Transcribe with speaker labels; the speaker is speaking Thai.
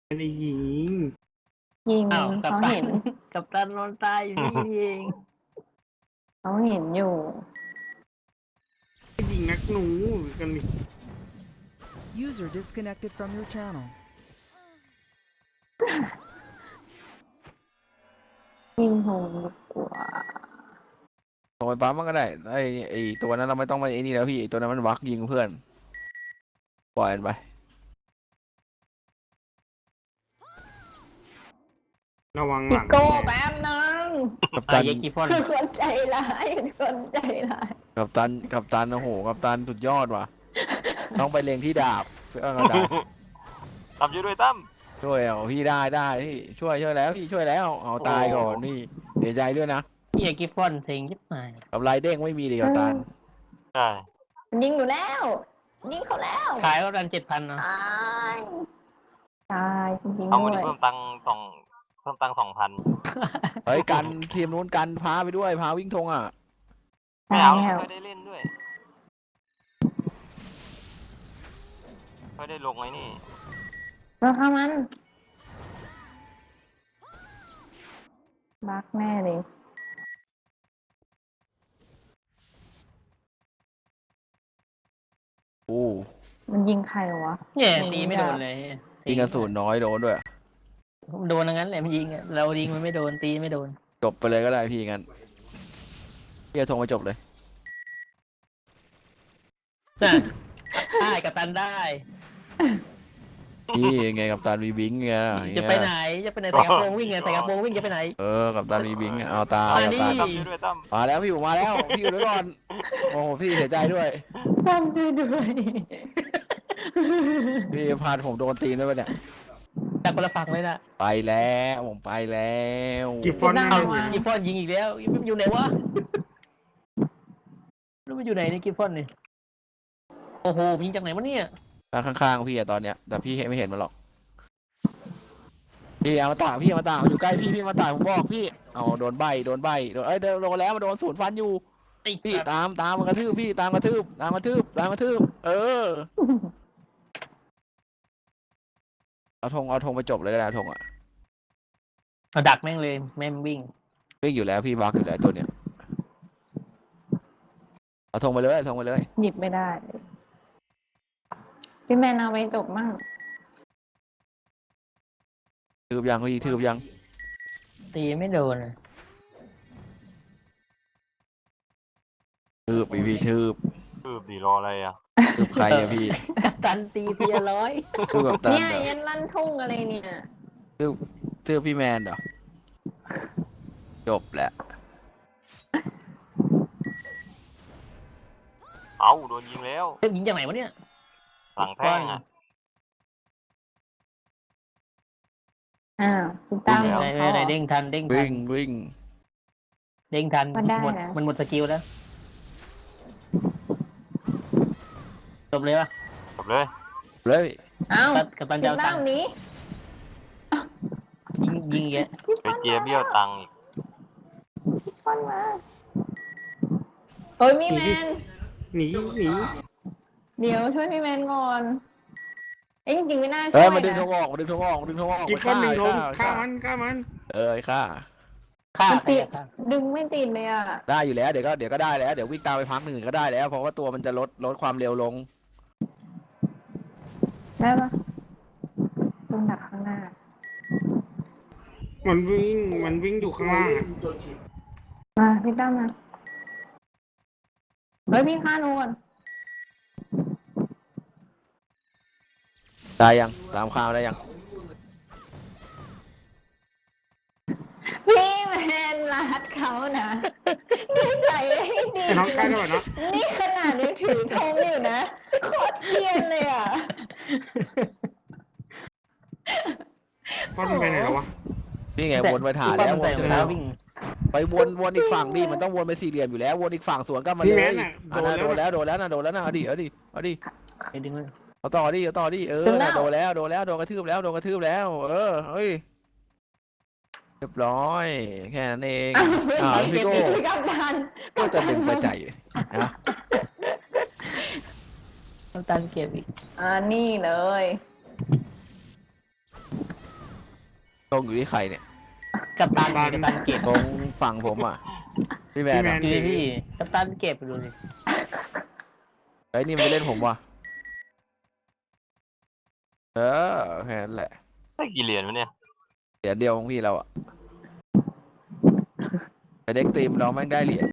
Speaker 1: ไม่ได้ยิง
Speaker 2: ยิง
Speaker 3: อ้าวกัป
Speaker 2: เขา
Speaker 3: ตั
Speaker 2: เห็น
Speaker 3: กัปตันนอนตายอยู่นี่เอง
Speaker 2: เขาเห็นอยู่
Speaker 1: ยิงนักหนูกันนี่
Speaker 4: User disconnected from your channel.
Speaker 2: ยิงโหงดีกว่า
Speaker 5: ส่งไปปั๊มมันก็ได้ไอตัวนั้นเราไม่ต้องไปไอ้นี่แล้วพี่ไอตัวนั้นมันวักยิงเพื่อนปล่อยมันไป
Speaker 1: ระวังห
Speaker 2: พี่
Speaker 1: ลัง
Speaker 2: โก้แป๊บนึง
Speaker 5: กัป
Speaker 3: ตา
Speaker 5: ตั
Speaker 3: ย
Speaker 5: น
Speaker 3: เยกิฟอน
Speaker 2: คือคนใจร้ายเป็นคนใจร้าย
Speaker 5: กัปตันโอ้โหกัปตันสุดยอดว่ะ ต้องไปเล็งที่ดาบเพื่อกัปตัน
Speaker 6: ตั้มช่วยด้วยตั้ม
Speaker 5: ช่วยเอาพี่ได้พี่ช่วยแล้วพี่ช่วยแล้วเอาตายก่อนนี่เสียใจด้วยนะ
Speaker 3: เยกิฟอนเซ็งยิบหาย
Speaker 5: กับไรเด้งไม่มีเลยกัปตัน
Speaker 6: ใช่
Speaker 2: ยิงอยู่แล้วยิงเขาแล้ว
Speaker 3: ขายก็รัน7,000เนาะ
Speaker 2: ตายตายจริงๆ
Speaker 6: เอา
Speaker 2: ด้
Speaker 6: เงิ
Speaker 2: วน ย
Speaker 6: เพิ่มตังค์2,000
Speaker 5: เฮ้ยกันทีมนู้นกันพาไปด้วยพาวิ่งธงอ่ะ
Speaker 6: ไม่
Speaker 2: ตาย
Speaker 6: เอา
Speaker 2: แล้ว
Speaker 6: ไม่ได้เล่นด้วยไม่ได้ลงไอ้นี่
Speaker 2: เราฆ่ามันบักแน่เลย
Speaker 5: โอ้
Speaker 2: มันยิงใครวะ
Speaker 3: เนี่ยตีไม่โดนเลย
Speaker 5: ยิงกระสุนน้อยโดนด้วย
Speaker 3: โดนอย่างนั้นแหละมันยิงอะเรายิงมันไม่โดนตีไม่โดน
Speaker 5: จบไปเลยก็ได้พี่งั้นพี่จะธงไปจบเลย
Speaker 3: น่ะได้กัปตันได้
Speaker 5: นี่ไงกัปตันมีบิงไง
Speaker 3: จะไปไหนจะไปไหนแต่กระโปรงวิ่งไงแต่กระโปรงวิ่งจะไปไหน
Speaker 5: กัปตันมีบิงเอาตา
Speaker 3: มา
Speaker 5: กัป
Speaker 3: ดิ
Speaker 5: ตัน
Speaker 6: ตั้มช่วยด้วยตั้ม
Speaker 5: มาแล้วพี่ผมมาแล้วพี่อยู่ด้วยก่อนโอ้โหพี่เสียใจด้วย
Speaker 2: ทำช่วยด้วย
Speaker 5: พี่พาผมโดนตีนด้วยปะเนี่ย
Speaker 3: จากคนละฝั่งเลยนะ
Speaker 5: ไปแล้วผมไปแล้ว
Speaker 1: กิฟฟอน
Speaker 2: ไม่ได้
Speaker 1: เอา
Speaker 2: วะ
Speaker 3: กิฟฟอนยิงอีกแล้วมันอยู่ไหนวะรู้มันอยู่ไหนเนี่ยกิฟฟอนนี่โอ้โหยิงจากไหนวะเนี่ย
Speaker 5: ข้างๆพี่อะตอนเนี้ยแต่พี่ไม่เห็นมันหรอกพี่เอามาตาพี่เอามาตาอยู่ใกล้พี่มาตาผมบอกพี่เอาโดนใบโดนโดนแล้วมาโดนศูนย์ฟันอยู่
Speaker 3: ไอ้
Speaker 5: พี่ตามมันกระทืบพี่ตามกระทืบเออเอาธงไปจบเลยก็ได้ธงอ่ะ
Speaker 3: เอาดักแม่งเลยแม่งวิ่ง
Speaker 5: วิ่งอยู่แล้วพี่บักอยู่แล้วตัวเนี้ยเอาธงไปเลย
Speaker 2: หยิบไม่ได้ พี่แมนเอาไปจบมั่ง
Speaker 5: ทืบยังพี่ทืบยัง
Speaker 3: ตีไม่โดนอะ
Speaker 5: ทืบพี่ทืบ
Speaker 6: คือดีรออะไรอ่ะ
Speaker 5: ทืบใครอะพี่
Speaker 3: ตันตีทีละร้อย
Speaker 5: ทืบกับตัน
Speaker 2: เนี่ย
Speaker 5: เหรอ
Speaker 2: ยันลั่นทุ่งอะไรเนี่ย
Speaker 5: ทืบพี่แมนเหรอจบแหละ
Speaker 6: เอ้าโดนยิงแล้ว
Speaker 3: เฮ้ยยิงจากไหนวะเนี่ย
Speaker 6: หลังแท่งอ่ะ
Speaker 2: อ้าวพี่ตั้ม
Speaker 3: ไหนไหนไหนเด้งทัน
Speaker 5: วิ่ง
Speaker 3: เด้งทัน
Speaker 2: ก็ได้
Speaker 3: หมด
Speaker 2: นะ
Speaker 3: มันหมดสกิลแล้วจบเลยวะ
Speaker 6: จบเลย
Speaker 5: เลย
Speaker 2: เอ้า
Speaker 3: กับตัน
Speaker 2: พี่
Speaker 3: เจ้าตั
Speaker 2: ตั้
Speaker 3: ง
Speaker 2: ม
Speaker 3: ค์
Speaker 2: หนี้
Speaker 3: ยิงเยอะ
Speaker 6: ไปเจียเบี้ยวตังค์อีก
Speaker 2: ฟันมาเฮ้ยพี่แมน
Speaker 1: หนี
Speaker 2: เดี๋ยวช่วยพี่แมนก่อนเอ้ยจริงๆไม่น่าช่
Speaker 5: เอ้
Speaker 2: วย ย
Speaker 5: มาดึงธ
Speaker 2: นะ
Speaker 5: งออก
Speaker 1: กิฟฟอนหนึ่งลงฆ่ามัน
Speaker 5: ฆ่าไอ้
Speaker 3: ฆ่า
Speaker 2: มันติด
Speaker 3: ฆ่า
Speaker 2: ดึงไม่ติดเลยอ่ะ
Speaker 5: ได้อยู่แล้วเดี๋ยวก็ได้แล้วเดี๋ยววิ่งตามไปพักหนึ่งก็ได้แล้วเพราะว่าตัวมันจะลดความเร็วลง
Speaker 2: ได้ปะต้องดักข้างหน้า
Speaker 1: มันวิ่งอยู่ข้างล่างอะ
Speaker 2: มาพี่ตั้มมาเฮ้ยพี่ฆ่าหนูก่อน
Speaker 5: ได้ยังตามข่าวได้ยัง
Speaker 2: พี่แมนรัดเขานะนิสัยไม่ดี
Speaker 1: ไอ้น้องใกล้ได้ป่ะเนาะ
Speaker 2: นี่ขนาดยังถือธงอยู่นะโคตรเกรียนเลยอ่ะ
Speaker 1: ฟอนไปไหนแล้ววะ
Speaker 5: นี่ไงวนไปถ่ายแล้วว
Speaker 3: ใส่
Speaker 5: น
Speaker 3: ร
Speaker 5: ถึ
Speaker 3: อง
Speaker 5: แล้
Speaker 3: เท้าว วิ่ง
Speaker 5: ไปวนอีกฝั่งดิมันต้องวนไปสี่เหลี่ยมอยู่แล้ววนอีกฝั่งสวนก็มา
Speaker 1: พี่
Speaker 5: เล
Speaker 1: แม
Speaker 5: ย
Speaker 1: นอ่ะ
Speaker 5: อันนั้นโดนแล้วนะเอาดิ
Speaker 3: ไปดึงมัน
Speaker 5: เอาต่อดิโดนแล้วโดนกระทืบแล้วเฮ้ยเรียบร้อยแค่นั้นเองพี่โก้
Speaker 2: พี่กัปตัน
Speaker 5: ก็จะดึงไปใจนะ
Speaker 3: กัปตันเก็บอีก
Speaker 2: นี่เลย
Speaker 5: งอยู่ที่ใครเนี่ย
Speaker 3: กัปตันเก็บ
Speaker 5: ตรงฝั่งผมอ่ะพี่แมนอะ
Speaker 3: ดูดิพี่กัปตันเก็บดูดิ
Speaker 5: ไอ้ยนี่มันจะเล่นผมว่ะเออแค่นั้นแหละ
Speaker 6: ได้กี่เหรียญวะเนี่ย
Speaker 5: เหรียญเดียวของพี่เราอ่ะแต่เด็กทีมเราแม่งได้เหรียญ